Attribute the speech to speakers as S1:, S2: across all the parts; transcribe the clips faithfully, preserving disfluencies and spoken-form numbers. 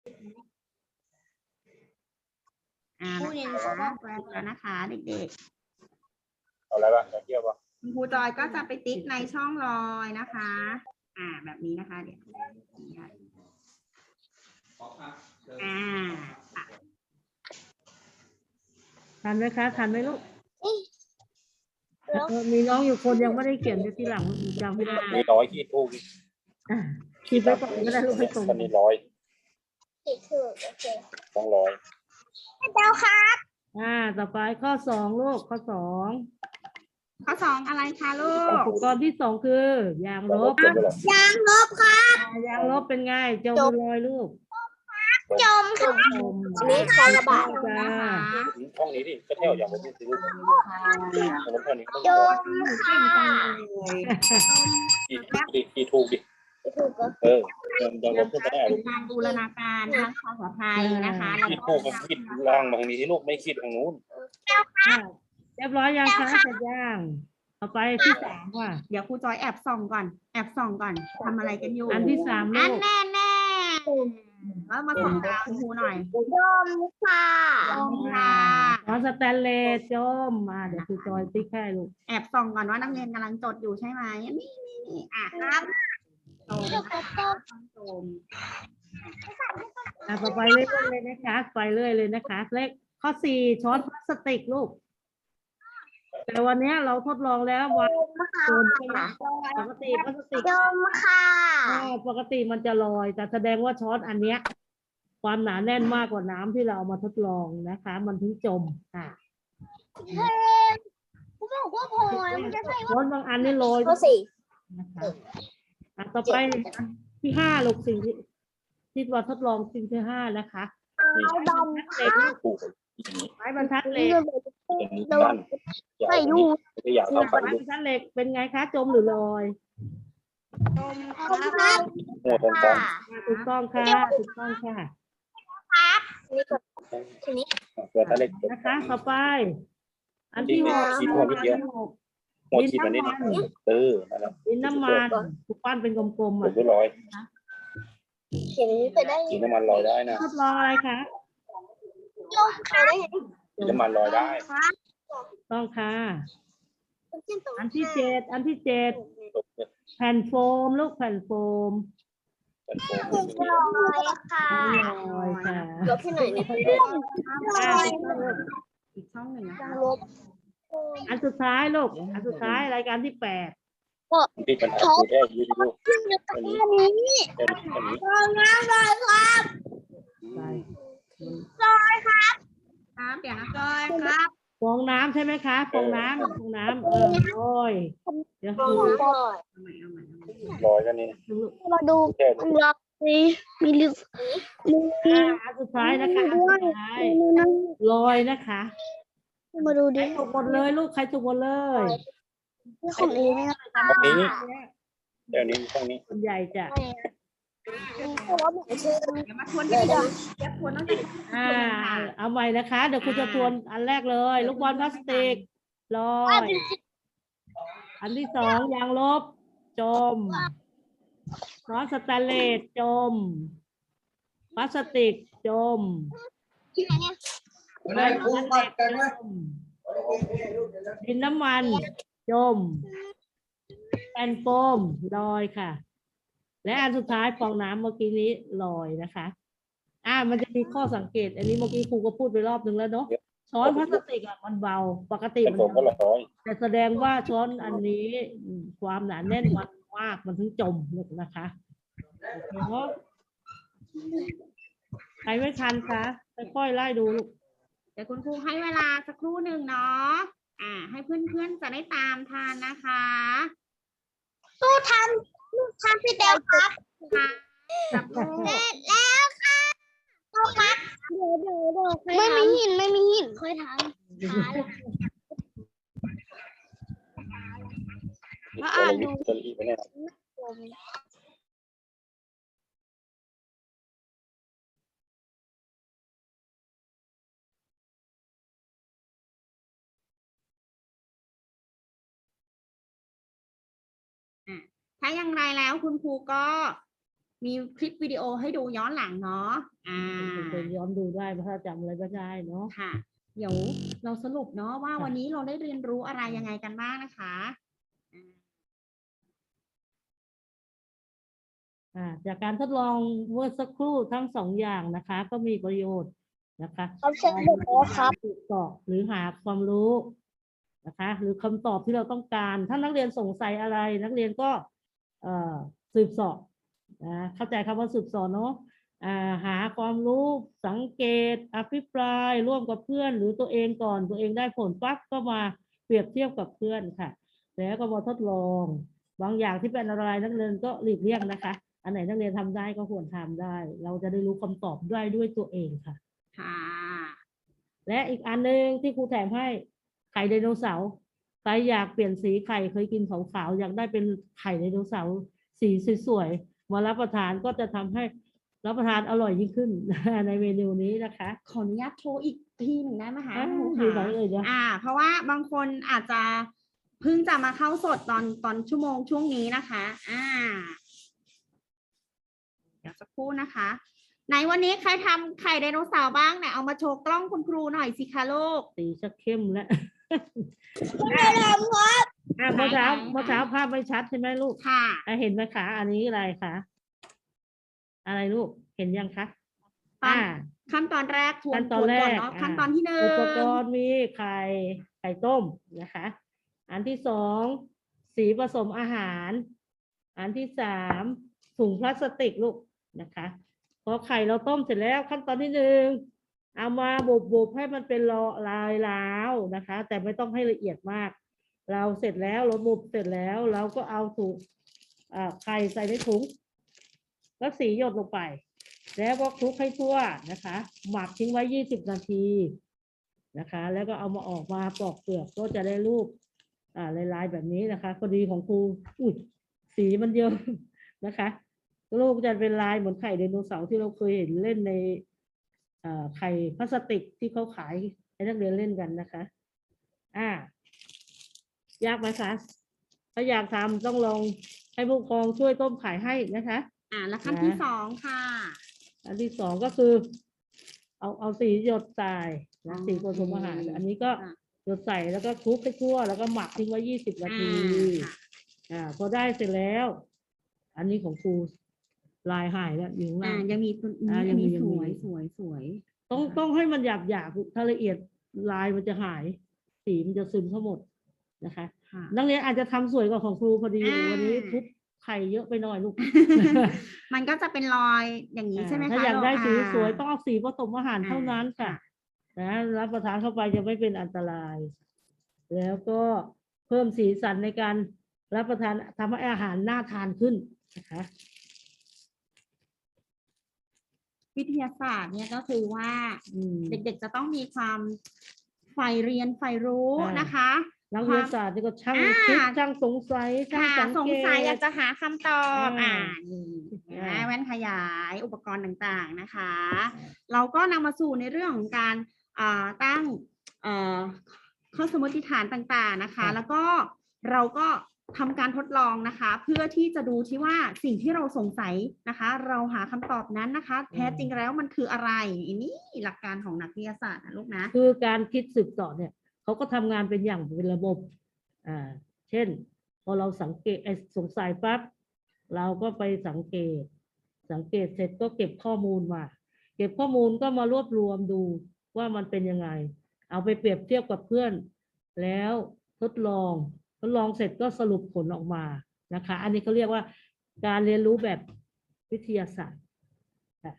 S1: อ่านะคะแล้วนะคะเด็กๆ
S2: เอาอะไรบ้างจะเที่ยวป่ะ
S1: ครูจอยก็จะไปติ๊กในช่องรอยนะคะ อ่า แบบนี้นะคะ เดี๋ยวอ่า
S3: ทันไหมคะทันไหมลูกมีน้องอยู่คนยังไม่ได้เขียนเดี๋ยวทีหลังจำไม่ได้
S2: มีร้อยขีดถูก
S3: อ่ะขีดไปก่อนก็ได้ลูกให้ตรง
S2: คนนี้ร้อย
S4: ติดถูกโอเค
S2: ต้องร้อย
S4: เจ้าครับ
S3: อ่าต่อไปข้อสองลูกข้อสอง
S1: ข้อสองอะไรคะลูก
S3: อุปกรณ์ที่สองคือยางลบ
S2: เต็มไปหรอย
S4: างลบครับ
S3: ยางลบเป็นไงจมลอยลูก
S4: จมครับ
S3: จม
S4: อันนี้ใครระบาย
S3: จ้า
S1: นะคะ
S2: ช่องนี้ดิก็เที่ยวอย่างผมนี่สิลูกแต่ผมเท่านี้ก็
S4: จ
S2: ต้อง
S4: ม
S1: เก่งจังเลย
S2: ขีดขีดถูกดิ
S4: ถูกก็
S2: เออยังลบขึ้นไม่ได้
S1: เป็
S2: ลู
S1: น
S2: ก
S1: การบูรณาการทั้งภาษาไทยนะคะแล้ว
S2: ขีด
S1: ก็
S2: ถูกกับขีดล่างมาทางนี้ที่ลูกไม่ขีดทางนู้น
S3: อ่ะเรียบร้อยยังคะเสร็จยังต่อไปที่สามว่ะ
S1: เดี๋ยวครูจอยแอบส่องก่อน แอบส่องก่อนทำอะไรกันอยู่
S3: อันที่สาม
S1: อั
S3: ลู
S1: น
S3: ก
S1: แน่แน่แล้วมาส่องดาวครูหน่อย
S4: จมค่ะ
S1: จมค่ะ
S3: ขอสแตนเลสจมมาเดี๋ยวครูจอยติ๊กให้ลูก
S1: แอบส่องก่อนว่านักเรียนกำลังจดอยู่ใช่ไหมนี่นี่นี่อ่ะครับจมนะคะจม
S3: อ่ะต่อไปเรื่อยๆเลยนะคะไปเรื่อยเลยนะคะ เลขข้อสี่ช้อนพลาสติกลูก แต่วันนี้เราทดลองแล้วว่าโดนใช่ไหมปกติพลาสติก
S4: จมค่ะ
S3: อ่าปกติมันจะลอย แต่แสดงว่าช้อนอันเนี้ย ความหนาแน่นมากกว่าน้ำที่เราเอามาทดลองนะคะ มันถึงจมค่ะ
S4: ผมบอกว่าพอมันจะใช่
S3: ช้อนบางอันนี่ลอย
S4: ข้อสี่
S3: นะคะอ่ะต่อไปที่ห้าลูกสิ่งที่ที่ว่าทดลองสิ่งที่ห้านะคะ
S4: เอาดำ
S3: เหล็กลูก
S2: ถูก
S3: ไม้บรรทัดเหล็ก
S2: อย่างนี้ด้านยาวนี้ไม่ได้ยาวเท่ากัน
S3: ไม้
S2: ลู
S3: บร
S2: ก
S3: รทัดเหล็กเป็นไงคะ จมหรือลอย
S4: ครับ
S2: หัวตรงกลาง
S3: ถูกต้องค่ะถูกต้องค่ะ
S4: นี่ก็ทีนี้
S2: เกิดอะไร
S3: นะคะ ต่อไป อันที่หก
S2: ขีดหัวนิดเดียว
S3: อันที่หก
S2: หัวขีดมันนิดเออนั่นแหละ
S3: ดินน้ำมันถูกปั้นเป็นกลมๆ
S2: ถู
S3: อ่ะ
S2: กด้วยร้อย
S4: เขียนไปได้
S2: ขีดน้ำมันลอยได้นะ
S3: ทดลองอะไรคะ
S4: จมค่ะได้
S2: ขีดน้ำมันลอยได้
S3: ต้องค่ะ
S4: ตรง
S3: อันที่เจ็ดอันที่เจ็ด
S2: ตกเนี่ย
S3: แผ่นโฟมลูกแผ่นโฟม
S2: เป็นโฟม
S4: ลอยค่ะ
S3: ลอยค่ะ
S4: ลบที่ไหนเนี่ย
S3: อ่ะ
S1: อีกช่องหนึ่งนะคะ
S4: ลบ
S3: อันสุดท้ายลูกอันสุดท้ายรายการที่แปด
S2: ที่ปัญหาคือแค่ยืดดู
S4: ขึ้นอยู่ตรงนี้
S2: แค่นี้แค่นี้
S4: ตรงน้ำเลยครับ
S3: ไป
S4: ลอยครับ
S1: ครับเดี๋ยวนะจอยครับ
S3: ฟองน้ำใช่ไหมคะฟองน้ำฟองน้ำเออลอยเดี๋ยว
S4: ล
S3: ดู
S4: อย
S1: เอาใหม่เอาใหม่เอาใหม่
S2: ลอยกันนี่
S3: ดูลูก
S4: มาดู
S2: แค่
S4: มันล็อกนี่มีลึกมี
S3: อ่ะอันสุดท้ายนะคะอันสุดท้ายลอยนะคะ
S4: มาดู
S3: ใคร
S4: ดิ
S3: ถูกหมดเลยลูกใครถูกหมดเลย
S4: ของเองนะ
S2: ตรงนี้แค่นี้ตรงนี้
S3: คนใหญ่จะ
S4: เพราะว่าหมายชื่อ
S1: เดี๋ยวมาทวนกันดีกว่าเดี๋ยวทวนต้องจะ
S3: อ่าเอาใหม่นะคะ เดี๋ยวคุณจะทวนอันแรกเลย ลูกบอลพลาสติกลอย อันที่สองยางลบ จมช้อนสแตนเลสจมพลาสติกจม
S4: ที่ไหนเนี่ย
S3: ไม้บรรทัดเหล็กจมดินน้ำมันจมแผ่นโฟมลอยค่ะ และอันสุดท้ายฟองน้ำเมื่อกี้นี้ลอยนะคะ อ่ามันจะมีข้อสังเกต อันนี้เมื่อกี้ครูก็พูดไปรอบนึงแล้วเนาะช้อนพลาสติกอ่ะมันเบาปกติ
S2: เป็น
S3: มัน
S2: โฟมก็ร้อย
S3: แต่แสดงว่าช้อนอันนี้อืมความหนาแน่นมันมากมันถึงจมลูกนะคะโอเคเนาะใครไม่ทันคะค่อยๆไล่ดูลูก
S1: เดี๋ยวคุณครูให้เวลาสักครู่หนึ่งเนาะอ่า ให้เพื่อนๆจะได้ตามทันนะคะ
S4: สู้ทำลูกทำพี่เดวครับ
S1: ค่ะจับมือ
S4: เสร็จแล้วค่ะสู้ครับเดี๋ยวเดี๋ยวเดี๋ยวไม่มีหินไม่มีหินค่อยทำช้าเลย
S2: มาอ่านดูจะรีบไปแน่
S1: ถ้าอย่างไรแล้วคุณครูก็มีคลิปวิดีโอให้ดูย้อนหลังเนาะอ่า
S3: ไปย้อนดูได้เพราะถ้าจำอะไรไม่ได้เนาะ
S1: ค่ะ เดี๋ยวเราสรุปเนาะว่า
S3: ค่ะ
S1: วันนี้เราได้เรียนรู้อะไรยังไงกันบ้างนะคะ
S3: อ่าจากการทดลองเมื่อสักครู่ทั้งสองอย่างนะคะ ก็มีประโยชน์นะคะ
S4: ครับเชิญเด็กแล้วครับ
S3: สืบเสาะหรือหาความรู้นะคะ หรือคำตอบที่เราต้องการ ถ้านักเรียนสงสัยอะไร นักเรียนก็เอ่อสืบเสาะนะเข้าใจคำว่าสืบเสาะเนาะอ่าหาความรู้สังเกตอภิปรายร่วมกับเพื่อน หรือตัวเองก่อนตัวเองได้ผลปั๊บก็มาเปรียบเทียบกับเพื่อนค่ะ แล้วก็มาทดลอง บางอย่างที่เป็นอะไรนักเรียนก็หลีกเลี่ยงนะคะ อันไหนนักเรียนทำได้ก็ควรทำได้ เราจะได้รู้คำตอบได้ด้วยตัวเองค่ะ
S1: ค่ะ
S3: และอีกอันหนึ่งที่ครูแถมให้ไข่ไดโนเสาร์ใครอยากเปลี่ยนสีไข่เคยกินขาวๆอยากได้เป็นไข่ไดโนเสาร์สีสวยๆมารับประทานก็จะทำให้รับประทานอร่อยยิ่งขึ้น ในเมนูนี้นะคะ
S1: ขออนุญาตโทรอีกทีหนึ่งได้ไหมคะ
S3: อ่า
S1: ครู
S3: อยู่ไหน
S1: คะ
S3: เอ่ยเดี๋ยว
S1: อ่า เพราะว่าบางคนอาจจะเพิ่งจะมาเข้าสดตอนตอนชั่วโมงช่วงนี้นะคะ อ่า เดี๋ยวสักครู่นะคะไหนวันนี้ใครทำไข่ไดโนเสาร์บ้างเนี่ยเอามาโชว์กล้องคุณครูหน่อยสิคะลูก
S3: สีชักเข้มแล้ว
S4: ไม่ได้ทำครับ
S3: อ่ะเมื่อเช้า
S1: ไหนๆ
S3: เมื่อเช้าภาพไม่ชัดใช่ไหมลูก
S1: ค่ะ
S3: อ่ะเห็นไหมคะอันนี้อะไรคะอะไรลูกเห็นยังคะ
S1: ตอน
S3: อ่า
S1: ขั้นตอนแรกทวน
S3: ขั้นตอนแร
S1: ทว
S3: ก
S1: เนาะ
S3: อ่า
S1: ขั้นตอนที่หนึ่ง
S3: อุปกรณ์มีไข่ไข่ต้มนะคะ อันที่สองสีผสมอาหาร อันที่สามถุงพลาสติกลูกนะคะพอไข่เราต้มเสร็จแล้วขั้นตอนที่หนึ่งเอามาบุบๆให้มันเป็นลอลายล้าวนะคะ แต่ไม่ต้องให้ละเอียดมาก เราเสร็จแล้วเราบุบเสร็จแล้วเราก็เอาถุงอ่าไข่ใส่ในถุงแล้วสีหยดลงไป แล้วก็คลุกให้ทั่วนะคะ หมักทิ้งไว้ยี่สิบนาทีนะคะ แล้วก็เอามาออกมาปอกเปลือกก็จะได้รูปอ่าลายๆแบบนี้นะคะพอดีของครูอุ้ยสีมันเยอะนะคะลูกจะเป็นลายเหมือนไข่ไดโนเสาร์ที่เราเคยเห็นเล่นในอ่าไข่พลาสติกที่เขาขายให้นักเรียนเล่นกันนะคะอ่ายากไหมคะถ้าอยากทำต้องลองให้ผู้ปกครองช่วยต้มไข่ให้นะคะ
S1: อ่า แล้วขั้นที่สองค่ะ
S3: อันที่สองก็คือ เอาเอาสีหยดใส่นะสีผสมอาหาร อันนี้ก็
S1: ค่ะ
S3: หยดใส่แล้วก็คลุกให้ทั่วแล้วก็หมักทิ้งไว้ยี่สิบนาที
S1: อ่าค่ะ
S3: อ่าพอได้เสร็จแล้ว อันนี้ของครูลายหายแล้วอยู่ข้าง
S1: อ่า
S3: ล่าง
S1: ยังมีตัวนี้
S3: อ่ายั
S1: อั
S3: ง
S1: น
S3: มี
S1: นี้
S3: ยัง
S1: ส
S3: มี
S1: วยสวยสวย
S3: ต้องต้องให้มันหยาบหยาบถ้าละเอียดลายมันจะหาย สีมันจะซึมทั้งหมดนะคะ
S1: ค่ะ
S3: นักเรียนอาจจะทำสวยกว่าของครูพอดี
S1: อ่า
S3: วันนี้ทุบไข่เยอะไปหน่อยลูก
S1: มันก็จะเป็นรอยอย่างนี้ใช่ไหมคะ
S3: ถ้าอยากได้สี
S1: ลู
S3: สวยต้องเอาสีผสมอาหาร
S1: อ่า
S3: เท่านั้นค่ะ นะรับประทานเข้าไปจะไม่เป็นอันตราย แล้วก็เพิ่มสีสันในการรับประทานทำให้อาหารน่าทานขึ้นนะคะ
S1: วิทยาศาสตร์เนี่ยก็คือว่า
S3: อืม
S1: เด็กๆจะต้องมีความใฝ่เรียนใฝ่รู้
S3: อ่าน
S1: นะคะ
S3: นักวิทยาศาสตร์นี่ก็ช่าง
S1: อ่า
S3: คิดช่างสงสัยช่าง
S1: ค่ะ
S3: สัง
S1: สง
S3: เก
S1: สัยอยา
S3: ต
S1: กจะหาคำตอบ
S3: อ่า
S1: อ่านี่เห็นไหม
S3: อ่า
S1: แว่นขยายอุปกรณ์ต่างๆนะคะ เราก็นำมาสู่ในเรื่องของการอ่าตั้งเอ่อข้อสมมติฐานต่างๆนะคะ แล้วก็เราก็ทำการทดลองนะคะ เพื่อที่จะดูที่ว่าสิ่งที่เราสงสัยนะคะ เราหาคำตอบนั้นนะคะ แท้จริงแล้วมันคืออะไรอันนี้หลักการของนักวิทยาศาสตร์นะลูกนะ
S3: คือการคิดสืบต่อเนี่ยเขาก็ทำงานเป็นอย่างเป็นระบบ อ่า เช่น พอเราสังเกตไอ้สงสัยปั๊บเราก็ไปสังเกต สังเกตเสร็จก็เก็บข้อมูลมา เก็บข้อมูลก็มารวบรวมดูว่ามันเป็นยังไง เอาไปเปรียบเทียบกับเพื่อน แล้วทดลองทดลองเสร็จก็สรุปผลออกมานะคะ อันนี้เขาเรียกว่าการเรียนรู้แบบวิทยาศาสตร์ค่ะ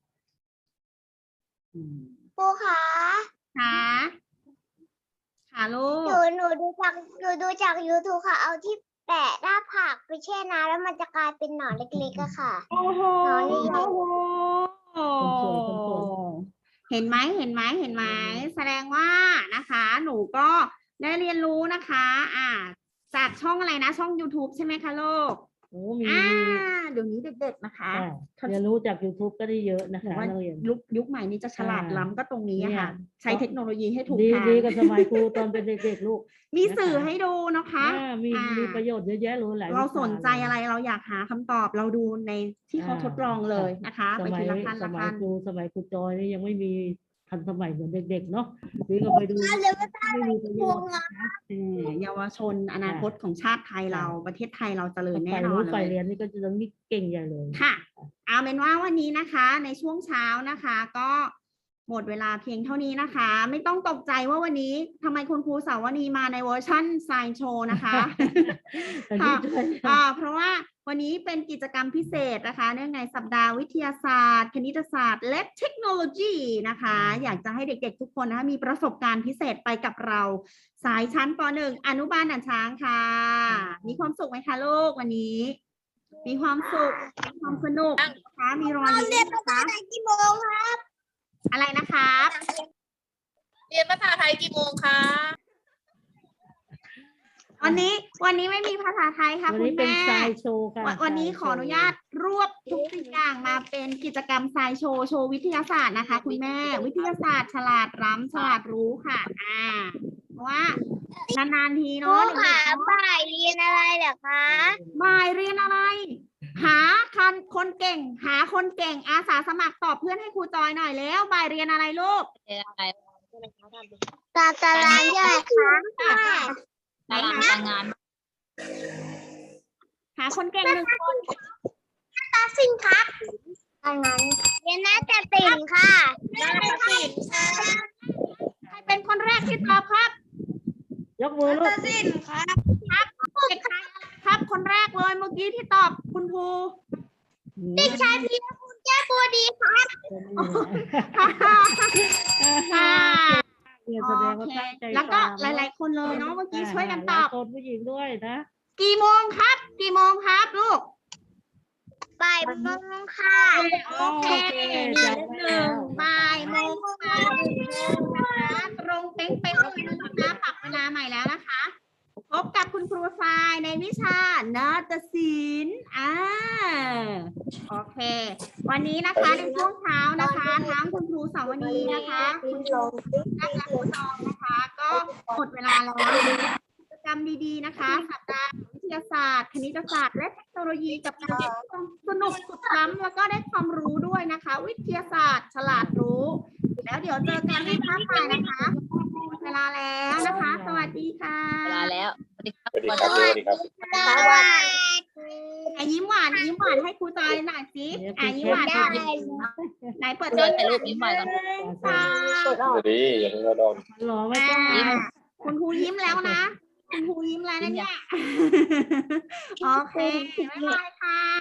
S3: อืม
S4: ครูคะ
S1: ค่ะค่ะลู
S4: ห
S1: ก
S4: นูหนูดูจากหนูดูจากยูทูบค่ะ เอาที่แปะหน้าผากไปแช่น้ำแล้วมันจะกลายเป็นหนอนเล็กๆอะค่ะ
S1: โอ้โห
S4: หนอนใหญ่
S3: คนสวยคนสวย
S1: เห็นไหมเห็นไหมเห็นไหมแสดงว่านะคะ หนูก็ได้เรียนรู้นะคะ อ่า จากช่องอะไรนะ ช่อง YouTube ใช่ไหมคะลูก
S3: โอ้มี
S1: อ่า
S3: มี
S1: เดี๋ยวนี้เด็กๆนะคะ
S3: อ่าเรียนรู้จาก YouTube ก็ได้เยอะนะ
S1: ถือ
S3: คะ
S1: ว่า
S3: นักเรียน
S1: ยุคยุคใหม่นี้จะฉลาด
S3: อ่า
S1: ล้ำก็ตรงนี้อะค่ะ
S3: เนี่ย
S1: ใช้เทคโนโลยีให้ถูก
S3: ดี
S1: ทาง
S3: ดีกับสมัยครูตอนเป็นเด็กๆลูก
S1: มีสื่อให้ดูนะคะ
S3: อ่ามี
S1: อ่า
S3: มีประโยชน์เยอะแยะเลยหลาย
S1: เรา
S3: วิช
S1: สนใจอะไรเราอยากหาคำตอบเราดูในที่เขา
S3: อ่า
S1: ทดลองเลยนะคะ
S3: ส
S1: ไป
S3: มั
S1: ที
S3: ย
S1: ละขั้น
S3: ส
S1: ละ
S3: มัย
S1: ขั้น
S3: ครูสมัยครูจอยนี่ยังไม่มีทันสมัยเหมือนเด็กๆเนาะนี่ก็ไปดู
S4: เดี๋ยวก็ตา
S3: ไม่มีประโยชน์
S1: เออเยาวชนอนาคตของชาติไทยเรา ประเทศไทยเราเจริญ
S3: ไป
S1: แน่นอ
S3: รู้
S1: น
S3: ไป
S1: เลย
S3: เรียนนี่ก็จะต้องมีเก่งใหญ่เลย
S1: ค่ะ เอาเป็นว่าวันนี้นะคะในช่วงเช้านะคะ ก็หมดเวลาเพียงเท่านี้นะคะ ไม่ต้องตกใจว่าวันนี้ทำไมคุณครูสาวนีมาในเวอร์ชั่นไซน์โชว์นะคะ ค่ะ อ่าเพราะว่าวันนี้เป็นกิจกรรมพิเศษนะคะเนื่องในสัปดาห์วิทยาศาสตร์ คณิตศาสตร์ และเทคโนโลยีนะคะ อยากจะให้เด็กๆทุกคนนะคะมีประสบการณ์พิเศษไปกับเราสายชั้นป หนึ่ง อนุบาลด่านช้างค่ะ มีความสุขไหมคะลูกวันนี้ มีความสุขมีความสนุกนะคะมีรอย
S4: เราเรีย
S1: ยิ้
S4: น
S1: ม
S4: ภา
S1: นะ
S4: ษา
S1: คะ
S4: ไทยกี่โมงครับ
S1: อะไรนะครับ
S5: เรียนภาษาไทยกี่โมงคะ
S1: วันนี้วันนี้ไม่มีภาษาไทยค่ะ
S3: วัน
S1: คุ
S3: นี้
S1: ณ
S3: เป็น
S1: แม่
S3: ไซน์โชว์ค่ะ
S1: วันวันนี้
S3: ไซ
S1: ขออนุญาตรวบทุกสิ่งอย่างมาเป็นกิจกรรมไซโชว์โชว์วิทยาศาสตร์นะคะ คุณแม่วิทยาศาสตร์ฉลาดล้ำฉลาดรู้ค่ะ อ่าเพราะว่านานๆที
S4: ครู
S1: เนาะ
S4: ขาบ่ายเรียนอะไรเหรอคะ
S1: บ่ายเรียนอะไร หาคนคนเก่ง หาคนเก่งอาสาสมัครตอบเพื่อนให้ครูจอยหน่อยแล้วบ่ายเรียนอะไรลูก
S5: เรียนอะไร
S4: ตาตารางย่อยค่ะ
S5: ตารางการงาน
S1: หาคนเก่งหนึ่งคน
S4: ตาสินครับอันนั้นเรียนนาฏศิลป์ค่ะนาฏศิลป์ค่ะ
S1: ใครเป็นคนแรกที่ตอบครับ
S3: ยกมือลู
S4: นาก ฏศิลป์ครับ
S1: เด็กชายครับคนแรกเลยเมื่อกี้ที่ตอบคุณครู
S4: เด็กชายพีรพลแก้วบัวดีครับ
S1: ค่ะ
S3: เนี่ยแสดงว่าตั้งใจ
S1: แล้วก็
S3: ฟัง
S1: หลาย ๆ คนเลยเนาะเมื่อกี้ช่วยกันต
S3: หลา
S1: อบ
S3: คนผู้หญิงด้วยนะ
S1: กี่โมงครับ กี่โมงครับลูก
S4: บ่ายโมงค่ะ
S1: โอเคมีหนึ่งบ่ายโมงบ่ายโมงนะคะตรงเป๊งเป๊งเลยนะคะปรับเวลาใหม่แล้วนะคะ พบกับคุณครูทรายในวิชานาฏศิลป์อ่าโอเค วันนี้นะคะในช่วงเช้านะคะทั้งคุณครูสาวนีนะคะ คุณครูนักและครูจองนะคะ ก็หมดเวลาแล้วกิจกรรมดีๆนะคะสัปดาห์วิทยาศาสตร์ คณิตศาสตร์และเทคโนโลยีกับการเรียนความสนุกสุดล้ำแล้วก็ได้ความรู้ด้วยนะคะ วิทยาศาสตร์ฉลาดรู้ แล้วเดี๋ยวเจอกันในภาคบ่ายนะคะหมดเวลาแล้วนะคะ สวัสดีค่ะ
S5: เวลาแล้วสวัสดีครับ
S2: สวัสดีครับสวัสดีครับ
S4: สวัสดี
S1: อ่ะยิ้มหวานยิ้มหวานให้ครูจอยหน่อยสิอ่ะยิ้มหวาน
S4: ได้
S1: หน่อยไหนเปิด
S5: เจอถ่ายรูปยิ้มหวานก่อน
S1: ค่ะ
S2: สวัสดีอย่าเพิ่งเราโดน
S3: หล่อไม่
S1: อ่า
S3: ต้อง
S1: คุณครูยิ้มแล้วนะ คุณครูยิ้มแล้วนะเนี่ย โอเคบ๊ายบายค่ะ